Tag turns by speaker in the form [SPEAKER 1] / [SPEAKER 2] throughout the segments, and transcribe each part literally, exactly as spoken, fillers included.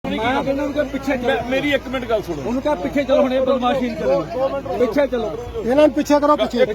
[SPEAKER 1] मैं कहना उनके पीछे चलो।
[SPEAKER 2] मेरी एक मिनट गल सुनो।
[SPEAKER 1] उनका पीछे चलो हुणे बदमाशी नहीं करो। पीछे चलो।
[SPEAKER 3] इन्हां पीछे करो पीछे।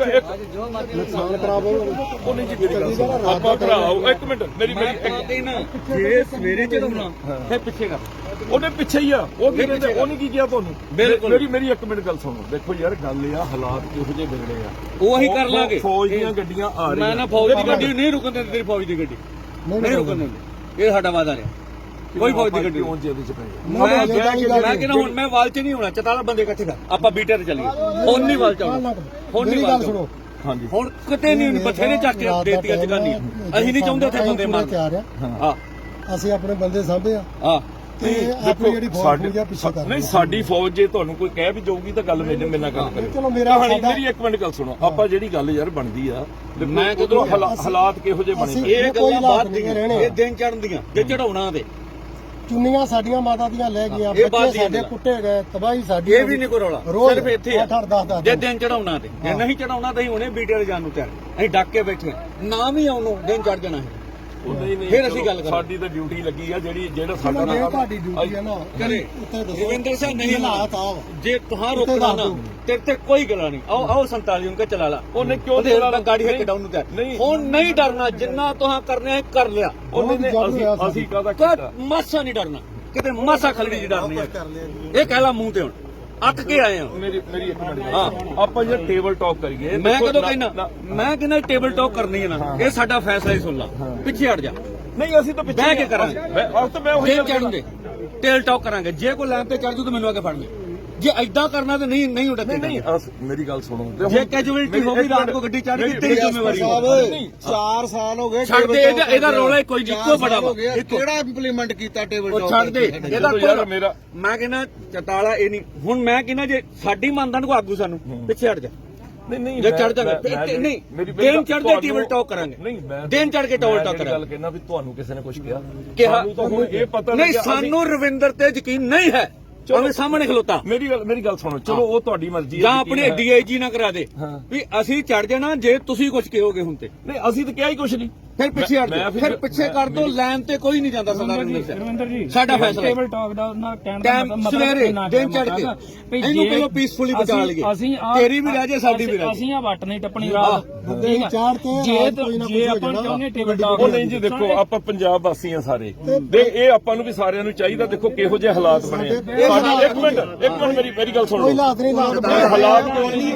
[SPEAKER 1] नुकसान
[SPEAKER 3] खराब हो
[SPEAKER 2] ਉਹ ਨਹੀਂ ਜੀ ਮੇਰੀ ਗੱਲ ਸੁਣੋ ਆਪਾਂ ਭਰਾਓ ਇੱਕ ਮਿੰਟ ਮੇਰੀ ਮੇਰੀ ਇੱਕ-
[SPEAKER 1] ਜੇ ਸਵੇਰੇ ਚੜਾਉਣਾ ਫਿਰ ਪਿੱਛੇ ਕਰ
[SPEAKER 2] ਉਹਨੇ ਪਿੱਛੇ ਹੀ ਆ ਉਹ ਕੀ ਕਹਿੰਦੇ ਉਹਨੇ ਕੀ ਕਿਹਾ ਤੁਹਾਨੂੰ
[SPEAKER 1] ਬਿਲਕੁਲ।
[SPEAKER 2] ਮੇਰੀ ਮੇਰੀ ਇੱਕ ਮਿੰਟ ਗੱਲ ਸੁਣੋ ਦੇਖੋ ਯਾਰ ਗੱਲ ਇਹ ਆ ਹਾਲਾਤ ਕਿਹੋ ਜਿਹੇ ਵਿਗੜੇ ਆ
[SPEAKER 1] ਉਹ ਅਸੀਂ ਕਰ ਲਾਂਗੇ
[SPEAKER 2] ਫੌਜ ਦੀਆਂ ਗੱਡੀਆਂ ਆ ਰਹੀਆਂ
[SPEAKER 1] ਮੈਂ ਨਾ ਫੌਜ ਦੀ ਗੱਡੀ ਨਹੀਂ ਰੁਕਣ ਦਿੰਦੀ ਤੇਰੀ ਫੌਜ ਦੀ ਗੱਡੀ ਨਹੀਂ ਰੁਕਣ ਦਿੰਦੇ ਇਹ ਸਾਡਾ ਵਾਦਾ ਰਿਹਾ ਕੋਈ ਫੌਜ ਦੀ ਗੱਡੀ
[SPEAKER 2] ਕਿਉਂ ਜਿਹਦੇ ਚ ਪਈ
[SPEAKER 1] ਮੈਂ ਮੈਂ ਕਹਿੰਦਾ ਹੁਣ ਮੈਂ ਵਾਲ ਚ ਨਹੀਂ ਹੋਣਾ ਚਤਾਲਾ ਬੰਦੇ ਇਕੱਠੇ ਕਰ ਆਪਾਂ ਬੀਟੇ ਤੇ ਚੱਲੀਏ ਹੁਣ ਨਹੀਂ ਵਾਲ ਚਾਉਣਾ ਹੁਣ ਨਹੀਂ ਵਾਲ ਸੁਣੋ
[SPEAKER 2] ਹਾਂਜੀ
[SPEAKER 1] ਹੁਣ ਕਿਤੇ ਨਹੀਂ ਬਥੇਰੇ ਚੱਕ ਕੇ ਦੇਤੀਆਂ ਜਗਾਨੀ ਅਸੀਂ ਨਹੀਂ ਚਾਹੁੰਦੇ ਉੱਥੇ ਬੰਦੇ ਮਾਰ
[SPEAKER 3] ਤਿਆਰ ਆ
[SPEAKER 1] ਹਾਂ
[SPEAKER 3] ਅਸੀਂ ਆਪਣੇ ਬੰਦੇ ਸਾਂਭੇ ਆ
[SPEAKER 1] ਹਾਂ
[SPEAKER 3] ਤੇ ਆਪਣੀ ਜਿਹੜੀ ਫੌਜ ਨੂੰ ਜਾਂ ਪਿੱਛੇ ਕਰ
[SPEAKER 2] ਨਹੀਂ ਸਾਡੀ ਫੌਜ ਜੇ ਤੁਹਾਨੂੰ ਕੋਈ ਕਹਿ ਵੀ ਜਾਊਗੀ ਤਾਂ ਗੱਲ ਮੇਰੇ ਮੇਰੇ ਨਾਲ ਗੱਲ ਕਰਿਓ
[SPEAKER 3] ਚਲੋ ਮੇਰਾ
[SPEAKER 2] ਮੇਰੀ ਇੱਕ ਮਿੰਟ ਗੱਲ ਸੁਣੋ ਆਪਾਂ ਜਿਹੜੀ ਗੱਲ ਯਾਰ ਬਣਦੀ ਆ ਮੈਂ ਉਧਰੋਂ ਹਾਲਾਤ ਕਿਹੋ ਜਿਹੇ ਬਣੇ
[SPEAKER 1] ਇਹ ਗੱਲਾਂ ਬਾਅਦ ਦੀਆਂ ਇਹ ਦਿਨ ਚੜਨ ਦੀਆਂ ਜੇ ਚੜਾਉਣਾ ਤੇ
[SPEAKER 3] ਚੁੰਨੀਆਂ ਸਾਡੀਆਂ ਮਾਤਾ ਦੀਆਂ ਲੈ ਗਈਆਂ ਬੱਚੇ ਸਾਡੇ ਕੁੱਟੇ ਗਏ ਤਬਾਹੀ ਸਾਡੀ
[SPEAKER 1] ਇਹ ਵੀ ਨਹੀਂ ਕੋਈ ਰੌਲਾ ਸਿਰਫ ਇੱਥੇ ਆ
[SPEAKER 3] ਅੱਠ ਦਸ ਦਸ
[SPEAKER 1] ਜੇ ਦਿਨ ਚੜਾਉਣਾ ਤੇ ਜੇ ਨਹੀਂ ਚੜਾਉਣਾ ਤਾਂ ਅਸੀਂ ਹੁਣੇ ਬੀਟੇ ਤੇ ਜਾਣ ਨੂੰ ਤਿਆਰ ਅਸੀਂ ਡੱਕ ਕੇ ਬੈਠੇ ਨਾ ਵੀ ਆਉਣੋਂ ਦਿਨ ਚੜ ਜਾਣਾ ਹੈ ਫਿਰ ਅਸੀਂ ਗੱਲ ਕਰਾਂਗੇ
[SPEAKER 2] ਸਾਡੀ ਤਾਂ ਡਿਊਟੀ ਲੱਗੀ ਆ ਜਿਹੜੀ ਜਿਹੜਾ ਸਾਡਾ
[SPEAKER 3] ਇਹ ਤੁਹਾਡੀ ਡਿਊਟੀ ਹੈ ਨਾ
[SPEAKER 1] ਕਰੇ
[SPEAKER 3] ਉੱਥੇ ਦੱਸੋ
[SPEAKER 1] ਰਵਿੰਦਰ ਸਿੰਘ ਨਹੀਂ
[SPEAKER 3] ਹਾਲਾਤ ਆ
[SPEAKER 1] ਜੇ ਤੁਹਾਂ ਰੋਕਣਾ ਨਾ ਤੇਰੇ ਤੇ ਕੋਈ ਗੱਲ ਨਹੀਂ ਆਓ ਆਓ ਸੰਤਾਲੀ ਉਨਕੇ ਚਲਾ ਲਾ
[SPEAKER 2] ਉਹਨੇ ਕਿਉਂ
[SPEAKER 1] ਤੇ ਗਾੜੀ ਹੱਕ ਡਾਊਨ ਨੂੰ ਤਿਆਰ
[SPEAKER 2] ਨਹੀਂ
[SPEAKER 1] ਹੁਣ ਨਹੀਂ ਡਰਨਾ ਜਿੰਨਾ ਤੁਹਾਂ ਕਰਨੇ ਆ ਕਰ ਲਿਆ
[SPEAKER 2] ਉਹਨੇ ਨੇ ਅਸੀਂ ਅਸੀਂ ਕਾਹਦਾ ਕੀਤਾ
[SPEAKER 1] ਮਾਸਾ ਨਹੀਂ ਡਰਨਾ ਕਿਤੇ ਮਾਸਾ ਖਲੜੀ ਜੀ ਡਰਨੀ ਹੈ ਇਹ ਕਹਿ ਲਾ ਮੂੰਹ ਤੇ ਹੁਣ ਅੱਕ ਕੇ ਆਏ ਹਾਂ
[SPEAKER 2] ਮੇਰੀ ਮੇਰੀ ਇੱਕ ਮਿੰਟ ਹਾਂ ਆਪਾਂ ਜੇ ਟੇਬਲ ਟਾਕ ਕਰੀਏ
[SPEAKER 1] ਮੈਂ ਕਦੋਂ ਕਹਿਣਾ ਮੈਂ ਕਹਿੰਦਾ ਟੇਬਲ ਟਾਕ ਕਰਨੀ ਹੈ ਨਾ ਇਹ ਸਾਡਾ ਫੈਸਲਾ ਹੀ ਸੁਣ ਲਾ ਪਿੱਛੇ ਹਟ ਜਾ
[SPEAKER 2] ਨਹੀਂ ਅਸੀਂ ਤਾਂ ਪਿੱਛੇ
[SPEAKER 1] ਬਹਿ ਕੇ ਕਰਾਂਗੇ
[SPEAKER 2] ਮੈਂ ਆਪ ਤਾਂ ਮੈਂ ਉਹੀ
[SPEAKER 1] ਜੇ ਚੜਨਗੇ ਟੇਲ ਟਾਕ ਕਰਾਂਗੇ ਜੇ ਕੋਈ ਲਾਈਨ ਤੇ ਚੜ ਜੂ ਤਾਂ ਮੈਨੂੰ ਆ ਕੇ ਫੜ ਲੈ ਜੇ ਐਦਾਂ ਕਰਨਾ ਤਾਂ ਨਹੀਂ ਨਹੀਂ ਉੱਡਦੇ
[SPEAKER 2] ਨਹੀਂ ਮੇਰੀ ਗੱਲ ਸੁਣੋ
[SPEAKER 1] ਜੇ ਕੈਜੂਅਲਟੀ ਹੋ ਗਈ ਰਾਤ ਕੋ ਗੱਡੀ ਚੜ ਗਈ ਤੇਰੀ ਜ਼ਿੰਮੇਵਾਰੀ
[SPEAKER 3] ਸਾਹਿਬ ਚਾਰ ਸਾਲ ਹੋ ਗਏ
[SPEAKER 1] ਛੱਡ ਦੇ ਇਹਦਾ ਇਹਦਾ ਰੌਲਾ ਕੋਈ ਨਹੀਂ ਇੱਕੋ ਬੜਾ ਵਾ
[SPEAKER 3] ਕਿਹੜਾ ਇੰਪਲੀਮੈਂਟ ਕੀਤਾ ਟੇਬਲ
[SPEAKER 1] ਉਹ ਛੱਡ ਦੇ ਇਹਦਾ
[SPEAKER 2] ਯਾਰ ਮੇਰਾ
[SPEAKER 1] ਮੈਂ ਕਹਿੰਦਾ ਚਤਾਲਾ ਇਹ ਨਹੀਂ ਹੁਣ ਮੈਂ ਕਹਿੰਦਾ ਜੇ ਸਾਡੀ ਮੰਨਦਾ ਨੂੰ ਆਗੂ ਸਾਨੂੰ ਪਿੱਛੇ ਹਟ ਜਾ
[SPEAKER 2] ਨਹੀਂ ਨਹੀਂ
[SPEAKER 1] ਜੇ ਚੜ ਜਾਵੇ ਨਹੀਂ ਦਿਨ ਚੜਦੇ ਟੇਬਲ ਟਾਕ ਕਰਾਂਗੇ
[SPEAKER 2] ਨਹੀਂ ਮੈਂ
[SPEAKER 1] ਦਿਨ ਚੜ ਕੇ ਟੇਬਲ ਟਾਕ
[SPEAKER 2] ਗੱਲ
[SPEAKER 1] ਕਰਾਂਗੇ
[SPEAKER 2] ਕਹਿਣਾ ਵੀ ਤੁਹਾਨੂੰ ਕਿਸੇ ਨੇ ਕੁਝ ਕਿਹਾ
[SPEAKER 1] ਕਿਹਾ
[SPEAKER 2] ਤੁਹਾਨੂੰ ਇਹ ਪਤਾ
[SPEAKER 1] ਨਹੀਂ ਸਾਨੂੰ ਰਵਿੰਦਰ ਤੇ ਯਕੀਨ ਨਹੀਂ ਹੈ ਉਹਦੇ ਸਾਹਮਣੇ ਖਲੋਤਾ
[SPEAKER 2] ਮੇਰੀ ਗੱਲ ਮੇਰੀ ਗੱਲ ਸੁਣੋ ਚਲੋ ਉਹ ਤੁਹਾਡੀ ਮਰਜ਼ੀ ਹੈ
[SPEAKER 1] ਜਾਂ ਆਪਣੇ ਡੀਆਈਜੀ ਨਾ ਕਰਾ ਦੇ ਵੀ ਅਸੀਂ ਚੜ ਜਾਣਾ ਜੇ ਤੁਸੀਂ ਕੁਝ ਕਹੋਗੇ ਹੁਣ ਤੇ
[SPEAKER 2] ਨਹੀਂ ਅਸੀਂ ਤਾਂ ਕਿਹਾ ਹੀ ਕੁਝ ਨਹੀਂ
[SPEAKER 1] ਫਿਰ ਪਿੱਛੇ ਹਟ ਜਾ ਫਿਰ ਪਿੱਛੇ ਕਰ ਦੋ ਲਾਈਨ ਤੇ ਕੋਈ ਨਹੀਂ ਜਾਂਦਾ ਸਰਦਾਰ ਰਵਿੰਦਰ ਜੀ ਸਾਡਾ ਫੈਸਲਾ
[SPEAKER 4] ਟੇਬਲ ਟਾਕ ਦਾ ਉਹਨਾਂ ਕਹਿਣ ਦਾ
[SPEAKER 1] ਟਾਈਮ
[SPEAKER 4] ਮਤਲਬ
[SPEAKER 1] ਸਵੇਰੇ ਦਿਨ ਚੜ ਕੇ ਇਹਨੂੰ ਪਹਿਲਾਂ ਪੀਸਫੁਲੀ ਬਚਾ ਲਈਏ
[SPEAKER 4] ਅਸੀਂ
[SPEAKER 1] ਤੇਰੀ ਵੀ ਰਹਿ ਜੇ ਸਾਡੀ ਵੀ ਰਹਿ
[SPEAKER 4] ਅਸੀਂ ਆ ਵੱਟ ਨਹੀਂ ਟੱਪਣੀ ਰਾਤ
[SPEAKER 3] ਦਿਨ ਚਾੜ ਤੇ
[SPEAKER 4] ਜੇ
[SPEAKER 3] ਕੋਈ ਨਾ
[SPEAKER 4] ਜੇ
[SPEAKER 3] ਕੋਈ
[SPEAKER 4] ਆਪਾਂ ਚਾਹੁੰਦੇ ਟੇਬਲ ਟਾਕ
[SPEAKER 2] ਉਹ ਨਹੀਂ ਜੀ ਦੇਖੋ ਆਪਾਂ ਪੰਜਾਬ ਵਾਸੀ ਆ ਸਾਰੇ ਤੇ ਇਹ ਆਪਾਂ ਨੂੰ ਵੀ ਸਾਰਿਆਂ ਨੂੰ ਚਾਹੀਦਾ ਦੇਖੋ ਕਿਹੋ ਜਿਹੇ ਹਾਲਾਤ ਬਣੇ ਆ ਸਾਡੀ ਇੱਕ ਮਿੰਟ ਇੱਕ ਮਿੰਟ ਮੇਰੀ ਮੇਰੀ ਗੱਲ ਸੁਣੋ
[SPEAKER 3] ਕੋਈ ਹਾਲਾਤ ਨਹੀਂ ਹਾਲਾਤ
[SPEAKER 2] ਇਹ ਹਾਲਾਤ ਕਿਉਂ ਨਹੀਂ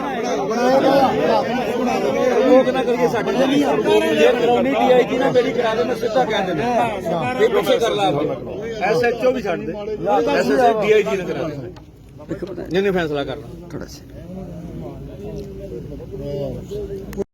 [SPEAKER 1] ਲੋਕ ਨਾ ਕਰੀਏ ਸਾਡੇ ਜੇ ਕਰਾਉਣੀ ਡੀਆਈਜੀ ਨਾ ਮੇਰੀ ਕਰਾ ਦੇ ਮੈਂ ਸਿੱਧਾ ਕਹਿ ਦਿੰਦਾ ਇਹ ਪਿੱਛੇ ਕਰ ਲਾ ਐਸਐਚਓ ਵੀ ਛੱਡ ਦੇ ਐਸਐਚਓ ਡੀਆਈਜੀ ਨਾ ਕਰਾ ਦੇ ਜਿਹਨੇ ਫੈਸਲਾ ਕਰਨਾ ਥੋੜਾ